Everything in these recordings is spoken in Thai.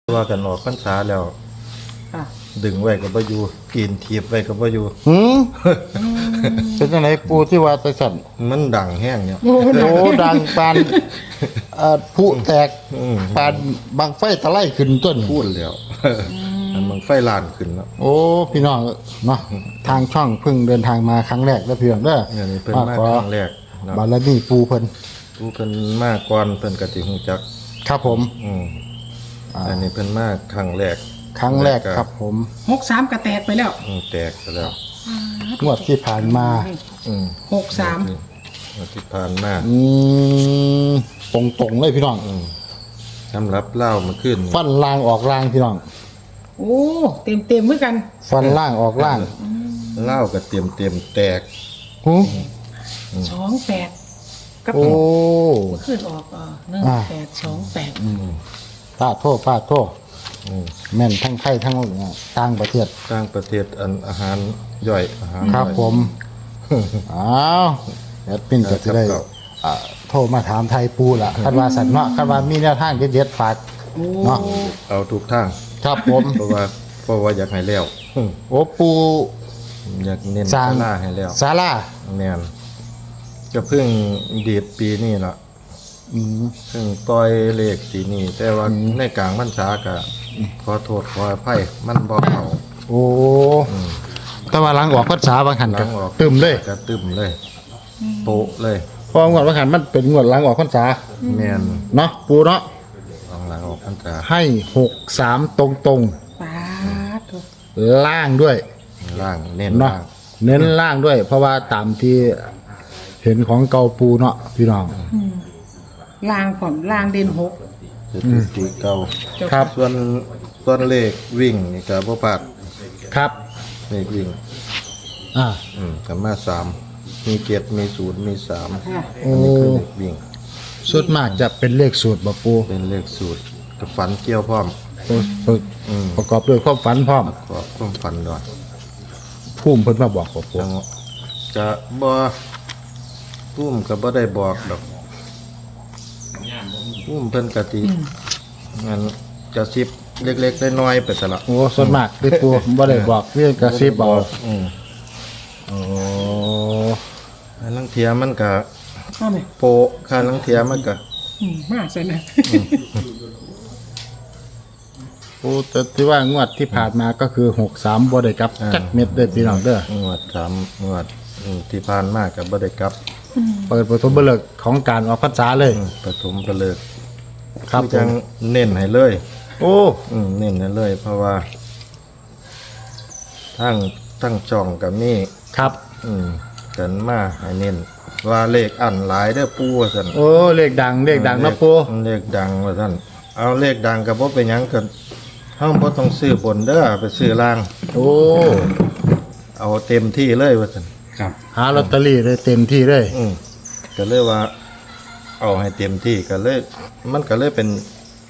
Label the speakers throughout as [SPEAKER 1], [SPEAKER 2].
[SPEAKER 1] ว่ากันออกพรรษาแล้วดึงไว้กับบ่อยู่กินทีบไว้กับบ่อยู่
[SPEAKER 2] เป็นจังไดปูที่ว่าแต่สั่น
[SPEAKER 1] มันดังแห้งเนี่ย
[SPEAKER 2] โอ้ดังปานผู้แตกปานบางไฟตะไลขึ้นต้น
[SPEAKER 1] พูดแล้วอันมันไฟลานขึ้นแล้ว
[SPEAKER 2] โอ้พี่น้องเนาะทางช่องเพิ่งเดินทางมาครั้งแรกแล้วพี่น้องเด้อ
[SPEAKER 1] นี่เพิ่นมาครั้งแรก
[SPEAKER 2] บารมีปูเพิ่น
[SPEAKER 1] มาก่อนเพิ่นก็สิฮู้จัก
[SPEAKER 2] ครับผม
[SPEAKER 1] อันนี้เพิ่นมาครั้งแรก
[SPEAKER 2] ครับผม
[SPEAKER 3] 63ก็แตกไปแล้ว
[SPEAKER 1] แตกไปแล้ว
[SPEAKER 2] งวดที่ผ่านมา
[SPEAKER 3] 63
[SPEAKER 1] งวดที่ผ่านมา
[SPEAKER 2] ตรงเลยพี่น้อง
[SPEAKER 1] สำหรับเล่ามาขึ้น
[SPEAKER 2] ฟันล่างออกล่างพี่น้อง
[SPEAKER 3] โอ้เต็มเหมือนกัน
[SPEAKER 2] ฟันล่างออกล่าง
[SPEAKER 1] เล่าก็เต็มแตก
[SPEAKER 3] 28กับ
[SPEAKER 2] โอ้
[SPEAKER 3] ขึ้นออก1828
[SPEAKER 2] ฟาดโทษแม่นทั้งไข่ทั้งต่างประเทศ
[SPEAKER 1] อันอาหารย่อยอาหาร
[SPEAKER 2] ครับผมอ้าวแอดมินก็จะได้โทรมาถามไทยปูล่ะคันว่าสันเนาะคันว่ามีแนวทางเด็ดๆฝากเนาะ
[SPEAKER 1] เอาทุกทาง
[SPEAKER 2] ครับผม
[SPEAKER 1] เพราะว่าอยากให้แล้ว
[SPEAKER 2] โอ้ปู
[SPEAKER 1] อยากเน้นศาลาให้แล้ว
[SPEAKER 2] ศาลา
[SPEAKER 1] แม่นก็เพิ่งดีดปีนี้ล่ะเพิ่งปล่อยเลขปีนี้แต่ว่าในกลางพรรษาก็ขอโทษขออภัยมันบ่เข้า
[SPEAKER 2] โอ้แต่ว่าหลังออกพรรษาบางหันก็ตึมเลย
[SPEAKER 1] โปะเลย
[SPEAKER 2] พองวดบางหันมันเป็นงวดหลังออกพรรษา
[SPEAKER 1] แม่น
[SPEAKER 2] เนาะปูเนาะ
[SPEAKER 1] หลังออกพรรษา
[SPEAKER 2] ให้63ตรงๆล่างด้วย
[SPEAKER 1] ล่างเน้น
[SPEAKER 2] ล่างด้วยเพราะว่าตามที่เห็นของเก่าปูเนาะพี่น้อง
[SPEAKER 3] ล่างผมล่างเด่น
[SPEAKER 1] 6สถิติเก่า
[SPEAKER 2] ครับ
[SPEAKER 1] ส่วนเลขวิ่งนี่ก็บ่พลาด
[SPEAKER 2] ครับ
[SPEAKER 1] เลขวิ่งก็มา3มี7มี0มี3อันนี้คือเลขวิ่ง
[SPEAKER 2] สุดมากจะเป็นเลขสูตรบ่ปู
[SPEAKER 1] เป็นเลขสูตรกับฝันเกี่ยวพร้อม
[SPEAKER 2] ประกอบด้วยความฝันพร้อม
[SPEAKER 1] ความฝันด้วย
[SPEAKER 2] ภูมิเพิ่นมาบอกบ่ปู
[SPEAKER 1] จะบ่ภูมิก็บ่ได้บอกดอกภูมิเพิ่นก็สิงั้นกระซิบเล็กๆน้อยๆไปซะละ
[SPEAKER 2] โอ้ส่วนมากที่ปูบ่ได้บอกเรื่องกระซิบเอาโอ้
[SPEAKER 1] ลังเทียมันก็โปะคาลังเทียมันก็
[SPEAKER 3] มาซะนะ
[SPEAKER 2] โอ้แต่ที่ว่างวดที่ผ่านมาก็คือ63บ่ได้กลับจักเม็ดเด้อพี่น้องเด้อง
[SPEAKER 1] วดที่ผ่านมาก็บ่ได้กลับ
[SPEAKER 2] เปิดปฐมฤกษ์ของการออกพรรษาเลย
[SPEAKER 1] ปฐมฤกษ์ครับจังเน้นให้เลย
[SPEAKER 2] โอ้
[SPEAKER 1] เน้นให้เลยเพราะว่าทั้งช่องก็มี
[SPEAKER 2] ครับ
[SPEAKER 1] กันมาให้เน้นว่าเลขอันหลายเด้อปู่ว่าซั่น
[SPEAKER 2] โอ้เลขดังนะปู่
[SPEAKER 1] เลขดังว่าซั่นเอาเลขดังก็บ่เป็นหยังก็เฮาบ่ต้องซื้อบนเด้อไปซื้อล่าง
[SPEAKER 2] โอ้
[SPEAKER 1] เอาเต็มที่เลยว่าซั่น
[SPEAKER 2] ครับหาลอตเตอรี่ได้เต็มที่เลย
[SPEAKER 1] ก็เลยว่าเอาให้เต็มที่ก็เลยมันก็เลยเป็น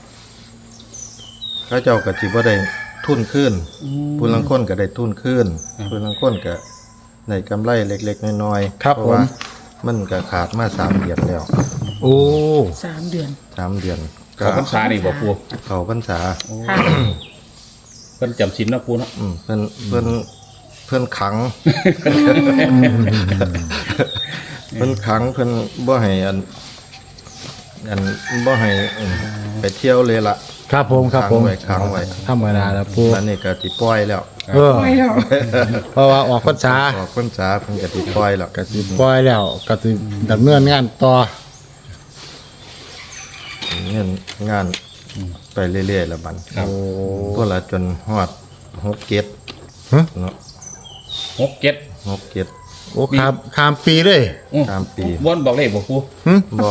[SPEAKER 1] พระเจ้าก็สิบ่ได้ทุนขึ้นผู้ลางคนก็ได้ทุนขึ้นผู้ลางคนก็ได้กำไรเล็กๆน้อยๆ
[SPEAKER 2] เพราะว่า
[SPEAKER 1] มันก็ขาดมา3เดือนแล้ว
[SPEAKER 2] โอ้
[SPEAKER 3] 3เดือน
[SPEAKER 4] เข้าพรรษานี่บ่ปู่
[SPEAKER 1] เข้าพรรษา
[SPEAKER 4] เพิ่นจำศีลเนาะปู่เนาะ
[SPEAKER 1] เพิ่นขังเพิ่นขังเพิ่นบ่ให้อันบ่ให้ไปเที่ยวเลยล่ะ
[SPEAKER 2] ครับผม
[SPEAKER 1] ขังไว้
[SPEAKER 2] ธรรมดาแล้วปู่
[SPEAKER 1] อันนี้ก็สิปล่อยแล้ว
[SPEAKER 2] เพราะว่าออกพรรษา
[SPEAKER 1] เพิ่นก็สิปล่อยแล้ว
[SPEAKER 2] ก็สิปล่อยแล้วก็สิดำเนินงานต่อ
[SPEAKER 1] งานไปเรื่อยๆละบัดพวกละจนฮอด6-7เนาะ
[SPEAKER 4] 6-7
[SPEAKER 2] โอ้ข้ามปีเลย
[SPEAKER 1] ข้ามปี
[SPEAKER 4] วนบอกเลขบ่ปู่
[SPEAKER 1] บ่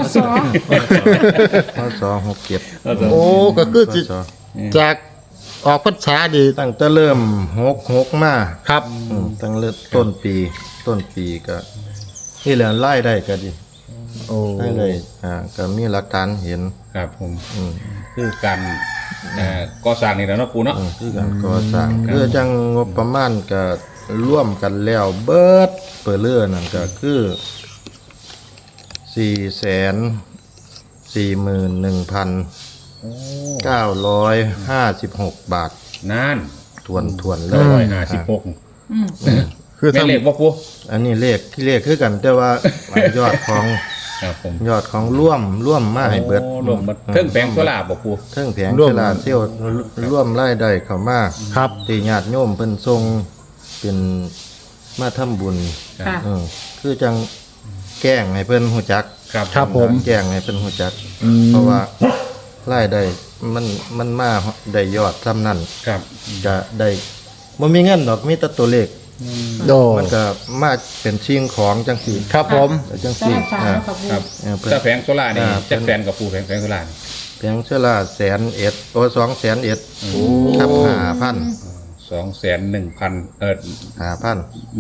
[SPEAKER 1] พศ67
[SPEAKER 2] โอ้ก็คือจากออกพรรษาดี
[SPEAKER 1] ตั้งแต่เริ่ม66มา
[SPEAKER 2] ครับ
[SPEAKER 1] ตั้งเริ่มต้นปีก็นี่แหละรายได้ก็ดี
[SPEAKER 2] โอ้
[SPEAKER 1] ได้เลยก็มีหลักฐานเห็น
[SPEAKER 4] ครับผมคือการก่อสร้างนี่แหละเนาะปู่เนาะ
[SPEAKER 1] คือการก่อสร้างคือจังงบประมาณก็ร่วมกันแล้วเบิดเปเรื่อนั่นก็คือ441,000 956 บาท
[SPEAKER 4] นั่น
[SPEAKER 1] ทวนๆเล
[SPEAKER 4] 156
[SPEAKER 3] อืม
[SPEAKER 2] คือ
[SPEAKER 4] แม่
[SPEAKER 2] ทำ
[SPEAKER 4] เลขบ่ปู
[SPEAKER 1] อันนี้เลขคือกันแต่ว่ายอดของ
[SPEAKER 4] ครับผม
[SPEAKER 1] ยอดของร่วมมาให้เบิด
[SPEAKER 4] โอ้รวมหมดเครื่องแปลงโซล่าร์บ่ปู
[SPEAKER 1] เครื่องแผงโซลาร์เซลล์ร่วมรายได้เข้ามา
[SPEAKER 2] ครับ
[SPEAKER 1] ที่ญาติโยมเพิ่นส่งเป็นมาทำบุญ
[SPEAKER 3] ค่ะ
[SPEAKER 1] คือจังแกล้งให้เพิ่นฮู้จัก
[SPEAKER 4] ครับ
[SPEAKER 2] ครับผม
[SPEAKER 1] แกล้งให้เพิ่นฮู้จัก
[SPEAKER 2] อืม
[SPEAKER 1] เพราะว่ารายได้มันมาได้ยอดซ้ำนั้น
[SPEAKER 4] ครับ
[SPEAKER 1] จะได้บ่มีเงินดอกมีแต่ตัวเลข
[SPEAKER 2] โด
[SPEAKER 1] มันก็มาเป็นชิงของจังซี่
[SPEAKER 2] ครับผม
[SPEAKER 1] จัง
[SPEAKER 3] สา
[SPEAKER 1] ซี่
[SPEAKER 3] มสาม
[SPEAKER 1] อ่า
[SPEAKER 3] ครับปู
[SPEAKER 4] ครับ
[SPEAKER 1] เพิ่น
[SPEAKER 4] ถ้าแผงโซล่าร์นี่
[SPEAKER 1] อ่า
[SPEAKER 4] จักแสนกับปูแผงโซล่าร์นี่
[SPEAKER 1] แผงเชื้อรา100,000โอ้200,000ครับ5,000
[SPEAKER 4] 201,000
[SPEAKER 1] 5,000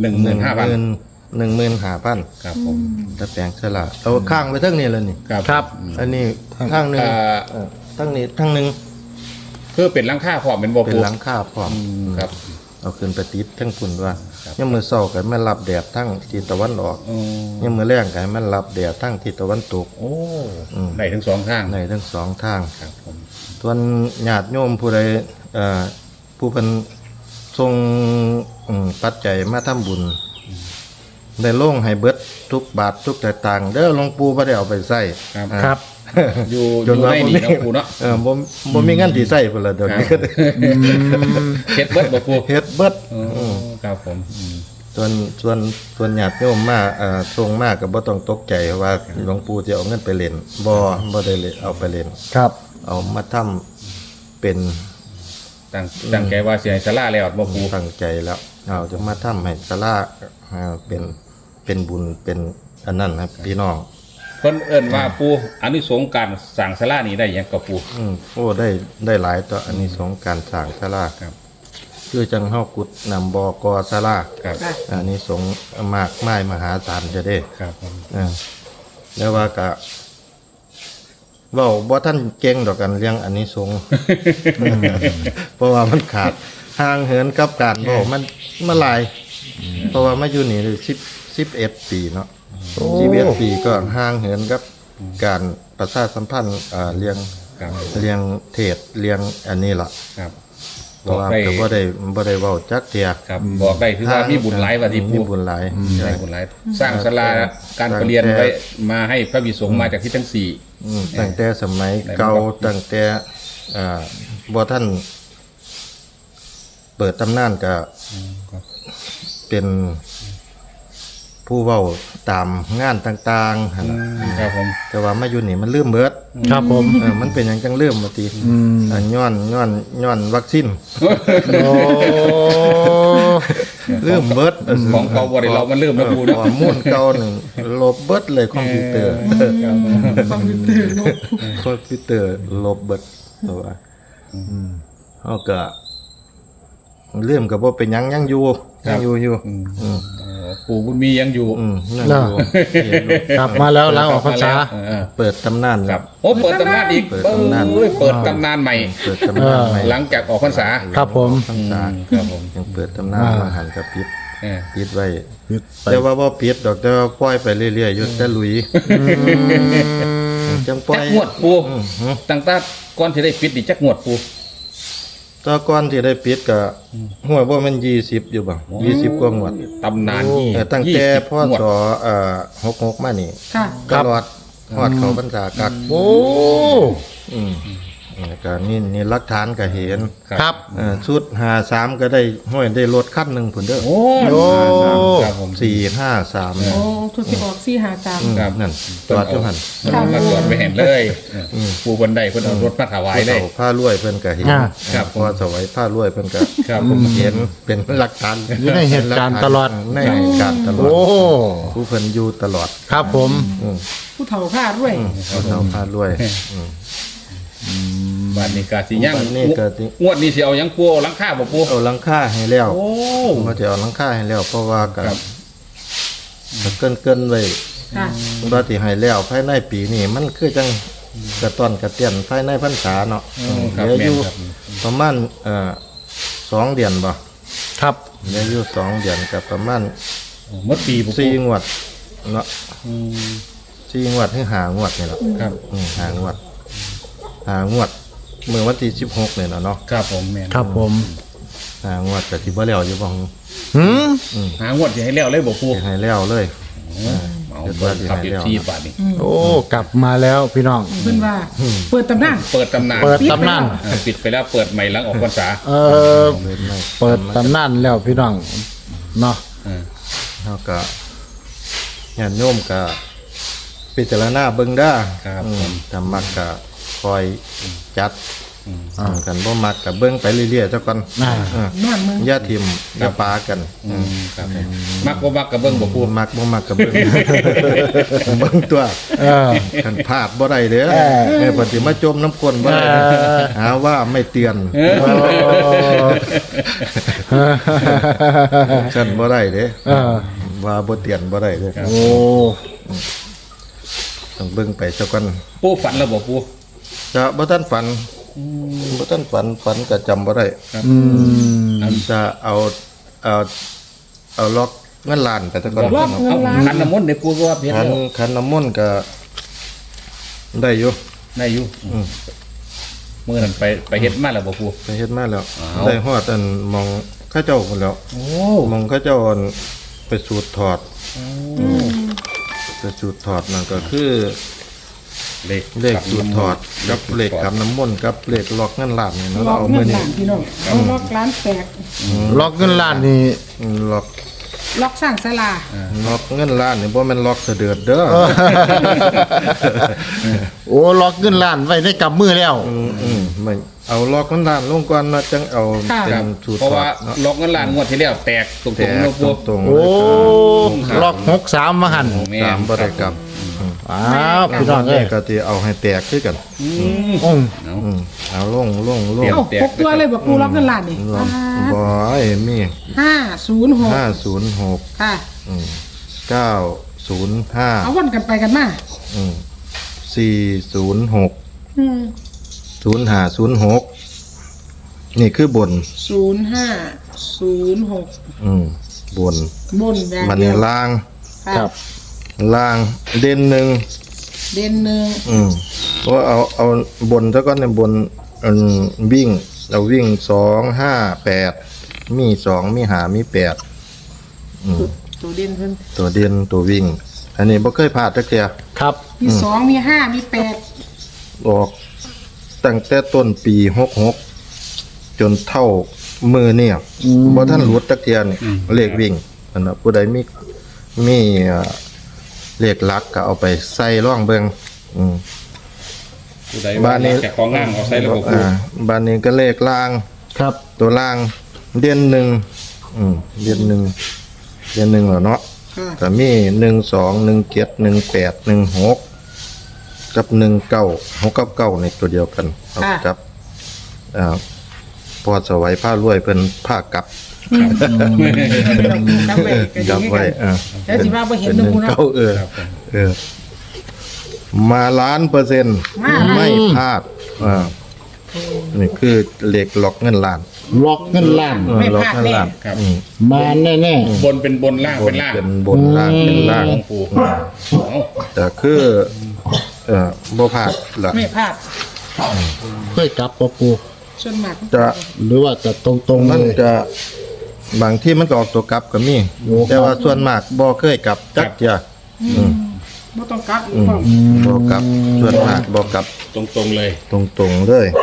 [SPEAKER 4] 15,000 ครับผม
[SPEAKER 1] ถ้าแปลงเชื้อราเอาข้างไปทั้งนี้เลยนี่
[SPEAKER 4] ครับ
[SPEAKER 2] ครับ
[SPEAKER 1] อันนี้ข้างหนึง
[SPEAKER 4] อ่า
[SPEAKER 1] ทั้งนี้ทั้งหนึง
[SPEAKER 4] คือเป็นหลังคาพร้อมเป็นบ่
[SPEAKER 1] เป็น
[SPEAKER 4] ปู
[SPEAKER 1] หลังคาพร้อม
[SPEAKER 4] ครับ
[SPEAKER 1] เอาขึ้นไปติดทั้งฝุ่นว่า
[SPEAKER 4] ครับ
[SPEAKER 1] ยามมื้อเช้าก็มันรับแดดทั้งทิศตะวันออก
[SPEAKER 4] อืม
[SPEAKER 1] ยามมื้อแลงก็ให้มันรับแดดทั้งทิศตะวันตก
[SPEAKER 4] โอ้
[SPEAKER 1] อืม
[SPEAKER 4] ได้ทั้งสองข้าง
[SPEAKER 1] ในทั้งสองทาง
[SPEAKER 4] ครับผม
[SPEAKER 1] ส่วนญาติโยมผู้ใดผู้เพิ่นส่งปัจจัยมาทำบุญ ได้ลงให้เบิดทุกบาททุกแต่ต่างค์เด้อหลวงปู่บ่ได้เอาไปใช้
[SPEAKER 4] ครับ
[SPEAKER 2] ครับ
[SPEAKER 4] อยู่อ
[SPEAKER 1] จน
[SPEAKER 4] ยู่
[SPEAKER 1] ว่า
[SPEAKER 4] ใน
[SPEAKER 1] บ่
[SPEAKER 4] นี่
[SPEAKER 1] มี
[SPEAKER 4] เนาะปูเนาะ
[SPEAKER 1] บ่มีเงินที่ใช้พุ่นละเดี๋ยว
[SPEAKER 4] ครับ
[SPEAKER 1] นี้ก็ได้
[SPEAKER 4] เฮ็ดเบิดบ่ปู
[SPEAKER 1] เฮ็ดเบิด
[SPEAKER 4] ครับผม
[SPEAKER 1] ส่วนญาติโยมมาส่งมาก็บ่ต้องตกใจว่าหลวงปู่จะเอาเงินไปเล่นบ่ได้เลยเอาไปเล่น
[SPEAKER 2] ครับ
[SPEAKER 1] เอามาทำเป็น
[SPEAKER 4] ตั้งใจว่าสิให้ศาลาแล้วบ่ปู
[SPEAKER 1] ตั้งใจแล้วเอาจะมาทำให้ศาลาเป็นบุญเป็นอันนั้นครับพี่น้อง
[SPEAKER 4] เพิ่นเอิ้นว่าปูอานิสงส์การสร้างศาลานี่ได้หยังกับปู
[SPEAKER 1] โอ้ได้หลายต่ออันนี้สงส์การสร้างศาลา
[SPEAKER 4] ครับ
[SPEAKER 1] คือจังเฮากุดนำบอกอศาลา
[SPEAKER 4] ครับ
[SPEAKER 3] ค่ะ
[SPEAKER 1] อันนี้สงส์มากมายมหาศาลจะได้
[SPEAKER 4] ครับผม
[SPEAKER 1] แล้วว่าก็เว้าบ่ท่านเก่งดอกกันเรื่องอันนี้สงส์ เพราะว่ามันขาดห่างเหินกับการเว้ามันหลาย เพราะว่ามาอยู่นี่เลย11 ปีเนาะ11 ปีก็ห่างเหินกับการประชาสัมพันธ์เรื่อง
[SPEAKER 4] ครับ
[SPEAKER 1] เลี้ยงเทศเลี้ยงอันนี้ล่ะ
[SPEAKER 4] ครับ
[SPEAKER 1] เพ
[SPEAKER 4] บอ
[SPEAKER 1] ราะ
[SPEAKER 4] ก
[SPEAKER 1] ว่า
[SPEAKER 4] ได้
[SPEAKER 1] ก็บ่ได้เว้าจักเที่ย
[SPEAKER 4] ครับบอกได้คือว่ามีบุญหลายว่าที่
[SPEAKER 1] มี
[SPEAKER 4] ปู
[SPEAKER 1] บุญหลาย
[SPEAKER 4] ได้บุญหลายสร้างศาลาการประเรียนไว้มาให้พระภิกษุมาจากที่ทั้งสี่
[SPEAKER 1] ตั้งแต่สมัยเก่าตั้งแต่บ่ท่านเปิดตำนานก็เป็นผู้เว้าตามงานต่างๆหั่นล่ะ
[SPEAKER 4] ครับผม
[SPEAKER 1] แต่ว่ามาอยู่นี่มันลืมเบิด
[SPEAKER 2] ครับผม
[SPEAKER 1] มันเป็นหยังจังลืมว่าติย้อนวัคซีน
[SPEAKER 2] โอ้
[SPEAKER 1] ลืมเบิด
[SPEAKER 4] ของเก่าบ่ได้เรามันลืมนะปูเนาะ
[SPEAKER 1] ข้อมูลเก่านี่ลบเบิดเลยคอมพิวเตอร์
[SPEAKER 3] คอมพิวเตอร์เนอะ
[SPEAKER 1] คอมพิวเตอร์ลบเบิดตัวเฮาก็เรื่องก็บ่เป็นหยังยังอยู่ยังอยู่
[SPEAKER 4] ปู่บุญมียังอยู่
[SPEAKER 1] ยังอยู่
[SPEAKER 2] กลับมาแล้วล้างออกพรรษา
[SPEAKER 1] เปิดตำนาน
[SPEAKER 4] ค
[SPEAKER 1] แล้
[SPEAKER 4] รั
[SPEAKER 1] ว
[SPEAKER 4] บโอ้เปิดตำนานอีก
[SPEAKER 1] เปิดตำนาน
[SPEAKER 4] เปิดตำนานใหม่
[SPEAKER 1] เปิดตำนานใหม่
[SPEAKER 4] หลังจากออกพรรษา
[SPEAKER 2] ครับผม
[SPEAKER 1] พรรษา
[SPEAKER 4] ครับผม
[SPEAKER 1] ยังเปิดตำนานมาหันกับปิด
[SPEAKER 4] เออ
[SPEAKER 1] ปิดไว้
[SPEAKER 2] ยึดไป
[SPEAKER 1] แต่ว่าบ่ปิดดอกแต่ว่าปล่อยไปเรื่อยๆอยู่แต่ลุยจังปล่อ
[SPEAKER 4] จั
[SPEAKER 1] ย
[SPEAKER 4] กงวดปูตั้งแต่ก่อนที่ได้ปิดนี่จักงวดปู
[SPEAKER 1] ตอนก่อนที่ได้ปิดก็หัวบ่มัน20อยู่บ่20กว่างวด
[SPEAKER 4] ตำนาน
[SPEAKER 1] ตั้งแต่
[SPEAKER 4] 20
[SPEAKER 1] พ
[SPEAKER 4] งวด
[SPEAKER 1] ศ66มานี่
[SPEAKER 3] ค่ะ
[SPEAKER 1] ตลอดฮอดเข้าพรรษากัก
[SPEAKER 2] โอ้
[SPEAKER 1] อืมก็นี่หลักฐานก็เห็น
[SPEAKER 2] ครับ
[SPEAKER 1] ชุด53ก็ได้ห้อยได้รถคันหนึงพุ่นเด้อ
[SPEAKER 4] โอ้
[SPEAKER 2] โอ้
[SPEAKER 4] ครับผม
[SPEAKER 1] 453
[SPEAKER 3] โอ้ทุกที่ออกสี่หาสาม
[SPEAKER 4] ครับ
[SPEAKER 1] นั่นจอดอยู่หั่น
[SPEAKER 4] มันมาตรวจไปเห็นเลยปูบนไดเพิ่นเอารถมาถวายเลย
[SPEAKER 1] ผู้ฒ่ผ้ารวยเพิ่นก็เห็น
[SPEAKER 4] ครับ
[SPEAKER 1] พอสวัยผ้ารวยเพิ่นก็
[SPEAKER 4] ครับ
[SPEAKER 1] เห็นเป็นหลักฐาน
[SPEAKER 2] อยู่ในเหตุการณ์ตลอด
[SPEAKER 1] ในเหตุการณ์ตลอ
[SPEAKER 2] โอ้
[SPEAKER 1] ดผู้เพิ่นอยู่ตลอด
[SPEAKER 2] ครับผม
[SPEAKER 3] ผู้เฒ่าผ้าด้วย
[SPEAKER 1] ผู้เฒ่าผ้ารวย
[SPEAKER 4] บ้านนี้กาสิยัง
[SPEAKER 1] บ้านนี้ก็สิ
[SPEAKER 4] งวดนี้สิเอาหยังปูเอาหลังคาบ่ปู
[SPEAKER 1] เอาหลังคาให้แล้ว
[SPEAKER 4] โอ้
[SPEAKER 1] ผมก็จะเอาหลังคาให้แล้วเพราะว่าก็
[SPEAKER 4] ครับ
[SPEAKER 1] เกินไว้
[SPEAKER 3] ค่ะ
[SPEAKER 1] ว่าสิให้แล้วภายในปีนี้มันคือจังกระต้อนกระเตียนภายในพรรษาเนาะ
[SPEAKER 4] ครับ
[SPEAKER 1] เหลืออยู่
[SPEAKER 4] แม่นครับ
[SPEAKER 1] ประมาณ2 เดือนบ่
[SPEAKER 2] ครับ
[SPEAKER 1] เหลืออยู่2 เดือนกับประมาณ
[SPEAKER 4] เมื่อปีบ่ปู
[SPEAKER 1] 4 งวดเนาะ
[SPEAKER 4] อืม
[SPEAKER 1] 4 งวดถึง5 งวดนี่แหละ
[SPEAKER 4] ครับ
[SPEAKER 1] 5 งวด5 งวดเมื่อวันที่16เนี่ยเนาะ
[SPEAKER 4] ครับผมแม่น
[SPEAKER 2] ครับผม
[SPEAKER 1] งวดก็สิบ่แล้วอยู่บ่
[SPEAKER 2] หืม
[SPEAKER 4] หางวดสิให้แล้วเลยบ่ปู
[SPEAKER 1] สิให้แล้วเลย
[SPEAKER 4] เอาเปิดครับ14บาทนี่
[SPEAKER 2] โอ้กลับมาแล้วพี่น้อง
[SPEAKER 3] เพิ่นว่า เปิดตำนาน
[SPEAKER 4] เปิดตำนาน
[SPEAKER 2] เปิดตำนาน
[SPEAKER 4] ปิดไปแล้วเปิดใหม่หลังออกพรรษา
[SPEAKER 2] เปิดตำนานแล้วพี่น้องเนาะ
[SPEAKER 1] เฮาก็ญาติโยมก็พิจารณาเบิ่งด้า
[SPEAKER 4] ครับ
[SPEAKER 1] ถ้ามักก็คอยจัดกันบ่มักก็เบิ่งไปเรื่อยๆเจ้าก่อน
[SPEAKER 2] อ่า
[SPEAKER 3] นอนมึง
[SPEAKER 1] อย่าทิ่มอย่าปากัน
[SPEAKER 4] ครับมักบ่มักกับเบิ่งบ่ปู
[SPEAKER 1] มักบ่มักก็เบิ่ง เบิ่งตัว
[SPEAKER 2] เออ
[SPEAKER 1] คันพลาดบ่ได้เด้อเพิ่นสิมาจมน้ำก้นบ่ได้หาว่าไม่เตือนฉันบ่ได้เด้
[SPEAKER 2] เออ
[SPEAKER 1] ว่าบ่เตือนบ่ได้เด้
[SPEAKER 2] โอ้
[SPEAKER 1] ต้องเบิ่งไปซะก่อน
[SPEAKER 4] ปูฝันแล้วบ่ปู
[SPEAKER 1] จะบ่ทันฝันบ่ทันฝันก็จำบ่ได้
[SPEAKER 2] อืม
[SPEAKER 1] จะเอาล็อกเงินล้านไปซะก่อน
[SPEAKER 3] รอบเงินล้าน
[SPEAKER 4] ขันน้ำมนต์ในปูก็ว่าเพี้ยน
[SPEAKER 1] คัน
[SPEAKER 4] แล้ว
[SPEAKER 1] คันน้ำมนต์ก็ได้อยู่
[SPEAKER 4] ได้อยู่มื้อนั้นไปเฮ็ดมาแล้วบ่ปู
[SPEAKER 1] ไปเฮ็ดมาแล้ว
[SPEAKER 4] อ้าว
[SPEAKER 1] ได้ฮอดอันมองเขาเจ้าพุ่นแล้ว
[SPEAKER 4] โอ้
[SPEAKER 1] มองเขาเจ้าอันไปสูตรถอดไปสูตรถอดนั่นก็คือ เลขสูตรถอดกับเลขขับน้ำมนต์กับเลขล็อกเงินล้านนี่เนาะ
[SPEAKER 3] ล็อก
[SPEAKER 1] เอา
[SPEAKER 3] เงิ
[SPEAKER 1] มื้อน นี้
[SPEAKER 3] ล้านพี่น้องเอาล็อกล้านแตก
[SPEAKER 2] ล็อกเงินล้านนี่
[SPEAKER 1] ล็อก
[SPEAKER 3] ล็อกสร้างศาลา
[SPEAKER 1] ล็อกเงินล้านนี่บ่แม่นล็อกเสดือดเด้อ
[SPEAKER 2] โอ้ล็อกเงินล้านไว้ในกำมือแล้ว
[SPEAKER 1] ไม่เอาล็อกเงินล้านลงก่อนเนาะจังเอาเป็นสูตร
[SPEAKER 4] เพราะ
[SPEAKER 1] ถอ
[SPEAKER 4] ว่า
[SPEAKER 1] ดเนาะ
[SPEAKER 4] ล็อกเงินล้านงวดที่แล้วแตกตรง
[SPEAKER 1] แต่
[SPEAKER 4] ๆเนาะปู
[SPEAKER 1] ตรงๆ
[SPEAKER 2] โอ้ล็อก63มาหัน
[SPEAKER 4] แม่
[SPEAKER 1] ตามบ่ได้กลับ
[SPEAKER 2] อ้าวพี่น้องเอ้ย
[SPEAKER 1] ก็สิเอาให้แตกคือกัน
[SPEAKER 2] อืม
[SPEAKER 1] เอาลง
[SPEAKER 3] เอ้าพกตัวเลยบอกปูล็อกเงินล้านนี่
[SPEAKER 1] บ่ไอ้มี
[SPEAKER 3] 506
[SPEAKER 1] 506
[SPEAKER 3] ค่ะ
[SPEAKER 1] 905
[SPEAKER 3] เอาวันกันไปกันมา
[SPEAKER 1] 406
[SPEAKER 3] อืม
[SPEAKER 1] 0506นี่คือบน
[SPEAKER 3] 0506
[SPEAKER 1] บน
[SPEAKER 3] บนอย่าง
[SPEAKER 1] มัน
[SPEAKER 3] เดี
[SPEAKER 1] นี่
[SPEAKER 3] ยว
[SPEAKER 1] ล่าง
[SPEAKER 2] ครับ
[SPEAKER 1] ล่างเด่นหนึ่ง
[SPEAKER 3] เด่นหนึ่ง
[SPEAKER 1] เพราะเอาบนซะก่อนในบนวิ่งเราวิ่ง2 5 8มี2มี5มี8
[SPEAKER 3] ตัวเด่นเพิ่น
[SPEAKER 1] ตัวเด่นตัววิ่ง อันนี้บ่เคยพลาดจักเที่ย
[SPEAKER 2] ครับ
[SPEAKER 3] มี2มี5มี8
[SPEAKER 1] ออกตั้งแต่ต้นปี66จนเท่ามือเนี่ยบ่ทันหลุดจักเที่ยนี่เลขวิ่งอันน่ะผู้ใดมีเลขหลักก็เอาไปใส่ร่องเบิ่ง
[SPEAKER 4] ผู้ใดว่าแต่ของล่างเอาใส่ระบบปู
[SPEAKER 1] บ้านนี้ก็เลขล่าง
[SPEAKER 2] ครับ
[SPEAKER 1] ตัวล่างเดือนหนึ่งเดือนหนึ่งเหรอเนาะแต่มี12 17 18 16กับ19 6กับ9ในตัวเดียวกันเอากับพอสวัยผ้ารวยเพิ่นผ้ากลับ
[SPEAKER 3] จำไว้ก็
[SPEAKER 1] จับ
[SPEAKER 3] ดี
[SPEAKER 1] ไว้
[SPEAKER 3] กันแล้วสิว่าบ่เห็นเด้อปูเนาะ
[SPEAKER 1] มา1,000,000%ไม่พลาดนี่คือเลขล็อกเงินล้าน
[SPEAKER 2] ล็อกเงินล้าน
[SPEAKER 1] ล็อกเงินล้าน
[SPEAKER 4] ครับ
[SPEAKER 2] มาแน่
[SPEAKER 4] บนเป็นบนล่างเป็นล่าง
[SPEAKER 1] เป็นบนล่างเป็นล่าง
[SPEAKER 4] ของปูเอา
[SPEAKER 1] แต่คือบ่พลาดล่ะ
[SPEAKER 3] ไม่พลาด
[SPEAKER 2] ๆเคยกลับปะปู
[SPEAKER 3] ส่วนมาก
[SPEAKER 1] จะ
[SPEAKER 2] หรือว่าจะตรงๆ
[SPEAKER 1] มัน
[SPEAKER 2] เลย
[SPEAKER 1] จะบางที่มันก็ออกตัวกลับก็มี
[SPEAKER 2] โอ้
[SPEAKER 1] แต่ว่าส่วนมากบ่เคยกลับจักเที่ย
[SPEAKER 3] บ่ต้องกลับอีกพร้อม
[SPEAKER 1] บ่กลับส่วนมากบ่กลับ
[SPEAKER 4] ตรงๆเลย
[SPEAKER 1] ตรงๆเลย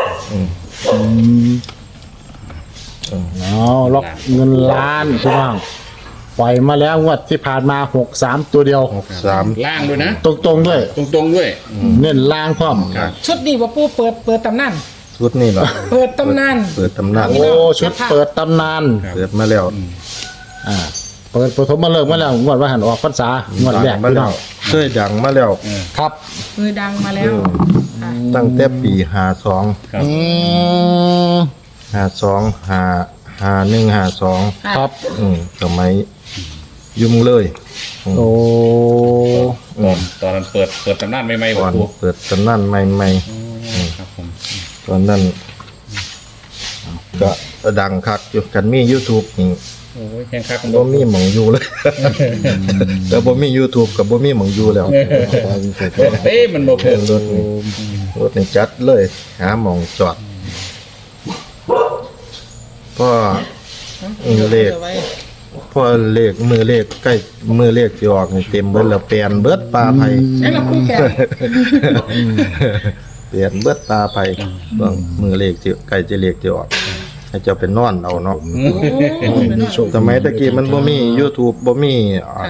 [SPEAKER 2] เอาล็อกเงินล้านพี่น้องปล่อยมาแล้วงวดที่ผ่านมา63ตัวเดียว
[SPEAKER 1] 3
[SPEAKER 4] ล่างด้วยนะ
[SPEAKER 2] ตรงๆด้วย
[SPEAKER 4] ตรงๆด้วย
[SPEAKER 2] เน้นล้างพร้อม
[SPEAKER 3] ชุดนี้บ่ปูเปิดตำนาน
[SPEAKER 1] ชุดนี้เหรอ
[SPEAKER 3] เปิดตำนาน
[SPEAKER 1] เปิดตำนาน
[SPEAKER 2] โอ้ชุดเปิดตำนาน
[SPEAKER 1] เปิดมาแล้ว
[SPEAKER 2] เปิดปฐมมาเลิกมาแล้วงวดว่าหันออกพรรษางวดแรก
[SPEAKER 1] มา
[SPEAKER 2] พี่
[SPEAKER 1] แล้
[SPEAKER 2] น้อ
[SPEAKER 1] ว
[SPEAKER 2] ง
[SPEAKER 1] เคยดังมาแล้ว
[SPEAKER 2] ครับ
[SPEAKER 3] เคยดังมาแล้วค่ะ
[SPEAKER 1] ตั้งแต่ปี52
[SPEAKER 4] ครับ
[SPEAKER 2] อืม
[SPEAKER 1] 51
[SPEAKER 2] ครับ
[SPEAKER 1] สมัยยุ่งเลย
[SPEAKER 2] โอ้
[SPEAKER 4] ตอนนั้นเปิดตำนานใหม่ๆบ
[SPEAKER 1] ก่
[SPEAKER 4] อ
[SPEAKER 1] อก น
[SPEAKER 4] ปู
[SPEAKER 1] เปิดตำนานใหม่
[SPEAKER 4] ครับผม
[SPEAKER 1] ๆตอนนั้นก็ดังคักอยู่กันมี YouTube นี่
[SPEAKER 4] โอ้ยแข่งขันกัน
[SPEAKER 1] บ่มีหม่องอยู่เลย แล้วบ่มี YouTube กับบ่มีหม่องอยู่แล้ว
[SPEAKER 4] เต้มันบ่เพิ่ม
[SPEAKER 1] รถนี่จัดเลยหาหม่องจอดเพราะเลข
[SPEAKER 3] ไว้
[SPEAKER 1] เพราะเลขมือเลขใกล้มือเลขสิออกนี่เต็มเบิดแล้วเปลี่ยนเบิดปลาไผ
[SPEAKER 3] ไอ้เราปูแก่
[SPEAKER 1] เปลี่ยนเบิดปลาไผเบิ่งมือเลขสิใกล้จะเลขสิออกให้เจ้าไปนอนเอาเนาะ
[SPEAKER 3] โอ้เป็นว่า
[SPEAKER 1] สมัยตะกี้มันบ่มี YouTube บ่มี
[SPEAKER 3] ค่ะ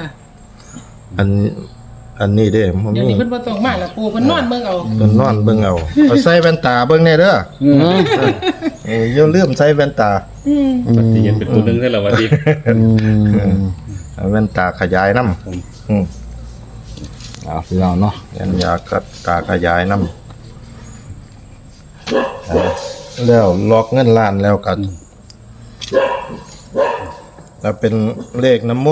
[SPEAKER 1] อันนี้เด้บ่
[SPEAKER 3] เดี๋ยว
[SPEAKER 1] มี
[SPEAKER 3] นี้เพิ่นบ่ต้องมาแล้วปูเพิ่นนอนเบิ่งเอา
[SPEAKER 1] เพิ่นนอนเบิ่งเอาเอาใส่แว่นตาเบิ่งแน่เด้ออย่าลืมใส่แว่นตา
[SPEAKER 4] ปฏิเห็นเป็นตัวหนึงได้แล้วว่าดี
[SPEAKER 1] เอาแว่นตาขยายนำ
[SPEAKER 2] เอาพี่น้องเนาะ
[SPEAKER 1] ยันยากัดตาขยายนำแล้วล็อกเงินล้านแล้วก็แล้วเป็นเลขน้ำมนต์